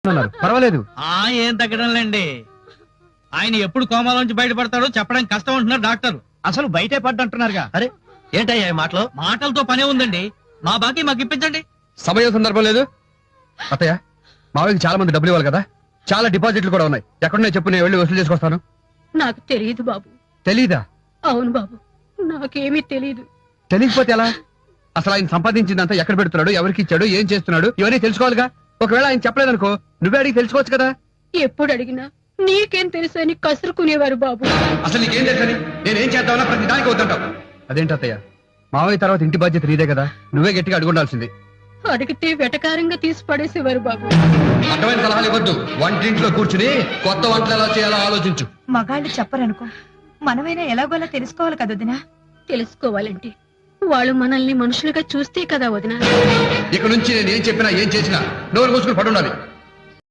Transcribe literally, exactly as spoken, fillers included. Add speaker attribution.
Speaker 1: పర్వాలేదు.
Speaker 2: ఆ ఏం తగ్గడంలేండి. ఆయన ఎప్పుడు కోమాలోంచి బయటపడతాడో చెప్పడం కష్టం అంటున్నారు డాక్టర్.
Speaker 3: అసలు బయటే పడ్డంటున్నారుగా. అరే ఏంటయ్యా ఈ మాటలు?
Speaker 2: మాటలతో పనే ఉందండి. మా బాకీ మాకు ఇప్పించండి.
Speaker 1: సమయం సందర్భం లేదు. అత్తయ్య, మావయ్యకి చాలా మంది డబ్బులు ఇవ్వాలి కదా, చాలా డిపాజిట్లు కూడా ఉన్నాయి. ఎక్కడున్నాయి చెప్పు, నేను వెళ్ళి వసూలు చేసుకొస్తాను.
Speaker 4: నాకు తెలియదు బాబు.
Speaker 1: తెలీదా?
Speaker 4: అవును బాబు, నాకేమీ తెలియదు.
Speaker 1: తెలియకపోతే ఎలా? అసలు ఆయన సంపాదించిందంతా ఎక్కడ పెడుతున్నాడు, ఎవరికి ఇచ్చాడు, ఏం చేస్తున్నాడు, ఇవన్నీ తెలుసుకోవాలిగా. ఒకవేళ ఆయన చెప్పలేదనుకో, నువ్వే అడిగి తెలుసుకోవచ్చు కదా.
Speaker 4: ఎప్పుడు అడిగినా నీకేం తెలుసు అని కసురుకునేవారు బాబు.
Speaker 1: అసలు నీకేం తెలుసని నేనేం చేద్దామన్నా ప్రతి దానికి వద్దంటావు. అదేంటి అత్తయ్య, మావయ్య తర్వాత ఇంటి బాధ్యత నీదే కదా, నువ్వే గట్టిగా అడుగుండాల్సింది.
Speaker 4: అడిగితే వెటకారంగా తీసి పడేసేవారు బాబు.
Speaker 1: అడ్డమైన సలహాలు ఇవ్వద్దు. వంటింట్లో కూర్చుని కొత్త వంటలు ఎలా చేయాలో ఆలోచించు.
Speaker 5: మగాళ్ళు చెప్పరనుకో, మనమైనా ఎలాగోలా తెలుసుకోవాలి కదా వదినా.
Speaker 4: తెలుసుకోవాలంటే వాళ్ళు మనల్ని మనుషులుగా చూస్తే కదా వదినా.
Speaker 1: ఇక నుంచి నేను ఏం చెప్పినా ఏం చేసినా నోరు మూసుకుని పడుండాలి.